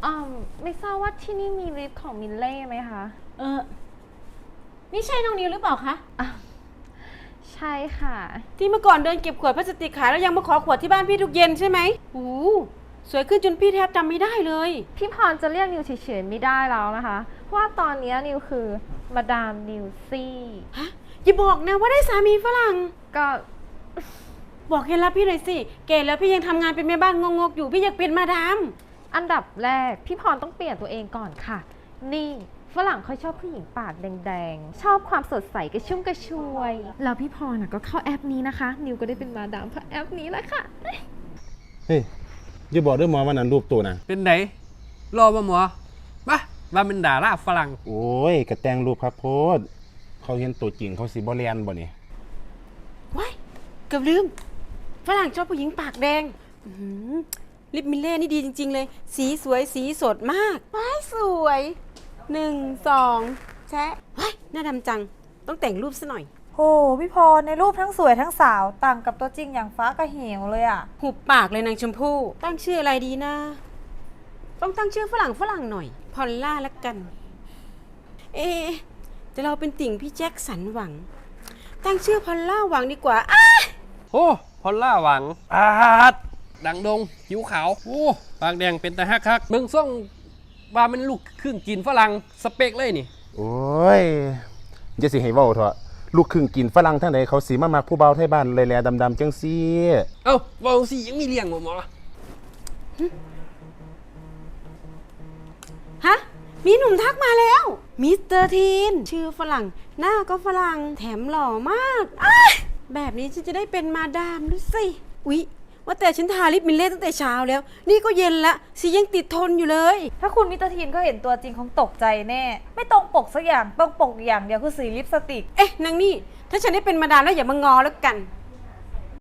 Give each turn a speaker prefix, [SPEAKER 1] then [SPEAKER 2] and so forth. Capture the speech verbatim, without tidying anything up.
[SPEAKER 1] อ่าไม่ทราบว่าที่นี่มีลิฟต์ของมิลเล่ไหมคะ
[SPEAKER 2] เออนี่ใช่น้องนิวหรือเปล่าคะ
[SPEAKER 1] อ่ะใช่ค่ะ
[SPEAKER 2] ที่เมื่อก่อนเดินเก็บขวดพลาสติกขายแล้วยังมาขอขวดที่บ้านพี่ทุกเย็นใช่ไหมโอ้สวยขึ้นจนพี่แทบจำไม่ได้เลย
[SPEAKER 1] พี่พรจะเรียกนิวเฉยๆไม่ได้แล้วนะคะเพราะว่าตอนนี้นิวคือมาดามนิวซี่
[SPEAKER 2] ฮะอย่าบอกนะว่าได้สามีฝรั่ง
[SPEAKER 1] ก็
[SPEAKER 2] บอกเคล็ดลับพี่หน่อยสิเกแล้วพี่ยังทำงานเป็นแม่บ้านงกๆอยู่พี่อยากเป็นมาดาม
[SPEAKER 1] อันดับแรกพี่พรต้องเปลี่ยนตัวเองก่อนค่ะ นี่ฝรั่งเขาชอบผู้หญิงปากแดงๆ ชอบความสดใสกระชุ่มกระชวย แล้วพี่พรน่ะก็เข้าแอปนี้นะคะ นิวก็ได้เป็นมาดามเพราะแอปนี้แหละค่ะ
[SPEAKER 3] เฮ้ยอย่าบอกเด้วยหมอวันนั้นรูปตัวนะ
[SPEAKER 4] เป็นไหนรอมาหมอมาว่าเป็นดาราฝรั่ง
[SPEAKER 3] โอ้ยกระแตงรูปครับโพดเขาเห็นตัวจริงเขาสิบ่เรียนบ่นี่
[SPEAKER 2] ว้ายเกือบลืมฝรั่งชอบผู้หญิงปากแดงอื้อหือลิปมิลเล่นี่ดีจริงๆเลย สีสวยสีสดมากว้ายสวยหนึ่งสองแชะว้ายหน้าดำจังต้องแต่งรูปซะหน่อย
[SPEAKER 5] โหพี่พรในรูปทั้งสวยทั้งสาวต่างกับตัวจริงอย่างฟ้ากับเหวเลยอะ
[SPEAKER 2] หุบปากเลยนางชมพู่ตั้งชื่ออะไรดีนะ ต้องตั้งชื่อฝรั่งฝรั่งหน่อย พอลล่าละกัน เอะแต่เราเป็นติ่งพี่แจ็คสันหวัง ตั้งชื่อพอลล่าหวังดีกว่าอ้า
[SPEAKER 4] โอ้พอลล่าหวัง
[SPEAKER 3] อาด
[SPEAKER 4] ดังดงผิวขาว โอ้ปากแดงเป็นตาฮักฮักเมืองซ่องว่ามันลูกครึ่งจีนฝรั่งสเปกเลยนี่
[SPEAKER 3] โอ้ยจะสิให้เว้าเถอะลูกครึ่งกินฝรั่งทั้งใดเขาสิมามักผู้เบาไทยบ้านเลยแลดำๆจังซี่
[SPEAKER 4] เอ้าเวาสิยังมีเลี้ยงบ่หมอ
[SPEAKER 2] ฮะ มีหนุ่มทักมาแล้ว มิสเตอร์ทีน ชื่อฝรั่ง หน้าก็ฝรั่ง แถมหล่อมากอ้ายแบบนี้ฉันจะได้เป็นมาดามดูสิ อุ๊ย ว่าแต่ฉันทาลิปมิลเล่ตั้งแต่เช้าแล้ว นี่ก็เย็นละสียังติดทนอยู่เลย
[SPEAKER 5] ถ้าคุณมิสเตอร์ทีนก็เห็นตัวจริงคงตกใจแน่ ไม่ตรงปกสักอย่างตรงปกอย่างเดียวคือสีลิปสติก
[SPEAKER 2] เอ๊ะนางนี่ ถ้าฉันได้เป็นมาดามแล้วอย่ามางอแล้วกัน